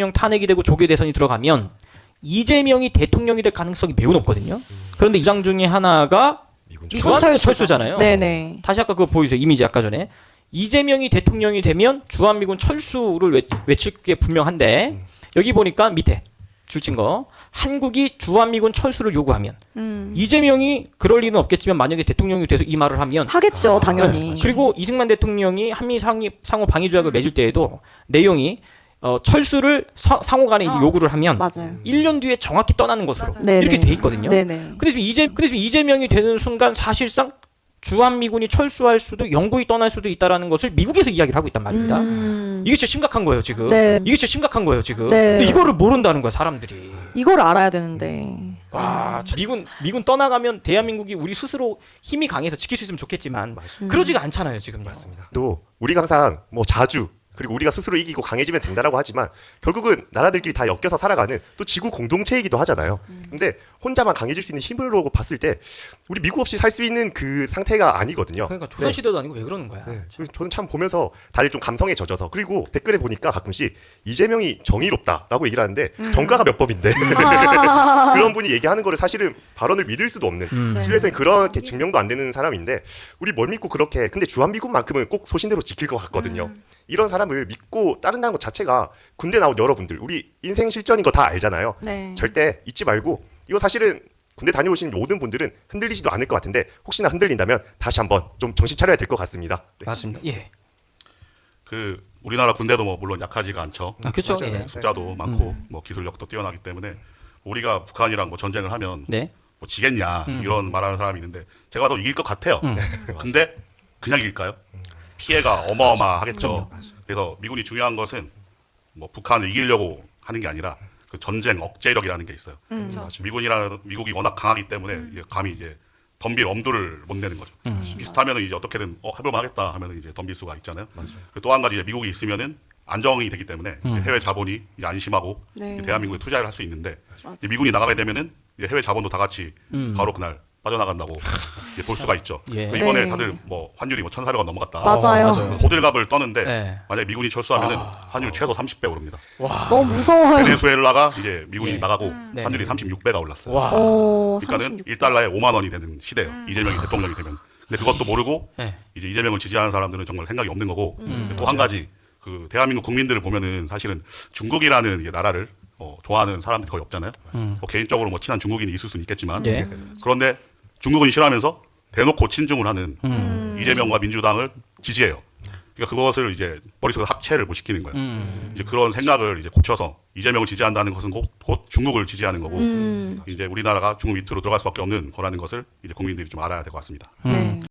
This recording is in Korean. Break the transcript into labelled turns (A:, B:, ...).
A: 대통령 탄핵이 되고 조계 대선이 들어가면 이재명이 대통령이 될 가능성이 매우 높거든요. 그런데 이장 중에 하나가 주한철수잖아요.
B: 네네.
A: 다시 아까 그거 보이세요? 이미지 아까 전에. 이재명이 대통령이 되면 주한미군 철수를 외칠 게 분명한데 여기 보니까 밑에 줄친 거 한국이 주한미군 철수를 요구하면 이재명이 그럴 리는 없겠지만 만약에 대통령이 돼서 이 말을 하면
B: 하겠죠, 당연히.
A: 그리고 이승만 대통령이 한미 상호 방위 조약을 맺을 때에도 내용이 철수를 상호 간에 이제 요구를 하면
B: 맞아요.
A: 1년 뒤에 정확히 떠나는 것으로
B: 네네.
A: 이렇게 돼 있거든요.
B: 네네.
A: 그래서 이재명이 되는 순간 사실상 주한미군이 철수할 수도 영구히 떠날 수도 있다라는 것을 미국에서 이야기를 하고 있단 말입니다. 이게 진짜 심각한 거예요, 지금.
B: 네.
A: 이게 진짜 심각한 거예요, 지금.
B: 네.
A: 근데 이거를 모른다는 거야, 사람들이.
B: 이걸 알아야 되는데.
A: 와, 미군 떠나가면 대한민국이 우리 스스로 힘이 강해서 지킬 수 있으면 좋겠지만 그러지가 않잖아요, 지금.
C: 맞습니다. 또 우리가 항상 뭐 자주 그리고 우리가 스스로 이기고 강해지면 된다라고 하지만 결국은 나라들끼리 다 엮여서 살아가는 또 지구 공동체이기도 하잖아요. 근데 혼자만 강해질 수 있는 힘으로 봤을 때 우리 미국 없이 살 수 있는 그 상태가 아니거든요.
A: 그러니까 조선시대도 아니고 왜 그러는 거야.
C: 네. 저는 참 보면서 다들 좀 감성에 젖어서 그리고 댓글에 보니까 가끔씩 이재명이 정의롭다라고 얘기를 하는데 정가가 몇 법인데 그런 분이 얘기하는 거를 사실은 발언을 믿을 수도 없는 실내에서는 그렇게 증명도 안 되는 사람인데 우리 뭘 믿고 그렇게 근데 주한미군만큼은 꼭 소신대로 지킬 것 같거든요. 이런 사람을 믿고 따른다는 것 자체가 군대 나온 여러분들 우리 인생 실전인 거 다 알잖아요.
B: 네.
C: 절대 잊지 말고 이거 사실은 군대 다녀오신 모든 분들은 흔들리지도 않을 것 같은데 혹시나 흔들린다면 다시 한번 좀 정신 차려야 될 것 같습니다. 네.
A: 맞습니다. 예.
D: 그 우리나라 군대도 뭐 물론 약하지가 않죠.
A: 아, 그렇죠.
C: 맞아요.
A: 예.
D: 숫자도 많고 뭐 기술력도 뛰어나기 때문에 우리가 북한이랑 뭐 전쟁을 하면
A: 네.
D: 뭐 지겠냐 이런 말하는 사람이 있는데 제가 더 이길 것 같아요. 근데 그냥 이길까요? 피해가 어마어마하겠죠. 그래서 미군이 중요한 것은 뭐 북한을 이기려고 하는 게 아니라 그 전쟁 억제력이라는 게 있어요. 미국이 워낙 강하기 때문에 이제 감히 이제 덤빌 엄두를 못 내는 거죠. 비슷하면은 이제 어떻게든 해볼만하겠다 하면은 이제 덤빌 수가 있잖아요. 또 한 가지 이제 미국이 있으면은 안정이 되기 때문에 해외 자본이 이제 안심하고
B: 네.
D: 대한민국에 투자를 할 수 있는데 이제 미군이 나가게 되면은 이제 해외 자본도 다 같이 바로 그날 빠져나간다고 이제 볼 수가 있죠.
A: 예.
D: 그래서 이번에
B: 네.
D: 다들 뭐 환율이 뭐 1,400원 넘어갔다.
B: 맞아요.
D: 호들갑을 떠는데
A: 네.
D: 만약에 미군이 철수하면은 환율 최소 30배 오릅니다.
B: 너무 무서워요.
D: 베네수엘라가 이제 미군이
A: 예.
D: 나가고
A: 네.
D: 환율이 36배가 올랐어요.
A: 와.
D: 그러니까는 1달러에 5만 원이 되는 시대예요. 이재명이 대통령이 되면. 근데 그것도 모르고
A: 네.
D: 이제 이재명을 지지하는 사람들은 정말 생각이 없는 거고 또 한 가지 그 대한민국 국민들을 보면은 사실은 중국이라는 이제 나라를 좋아하는 사람들이 거의 없잖아요. 뭐 개인적으로 뭐 친한 중국인이 있을 수는 있겠지만
A: 네.
D: 그런데 중국은 싫어하면서 대놓고 친중을 하는 이재명과 민주당을 지지해요. 그러니까 그것을 이제 머릿속에 합체를 못 시키는 거예요. 이제 그런 생각을 이제 고쳐서 이재명을 지지한다는 것은 곧 중국을 지지하는 거고 이제 우리나라가 중국 밑으로 들어갈 수밖에 없는 거라는 것을 이제 국민들이 좀 알아야 될 것 같습니다.
B: 네.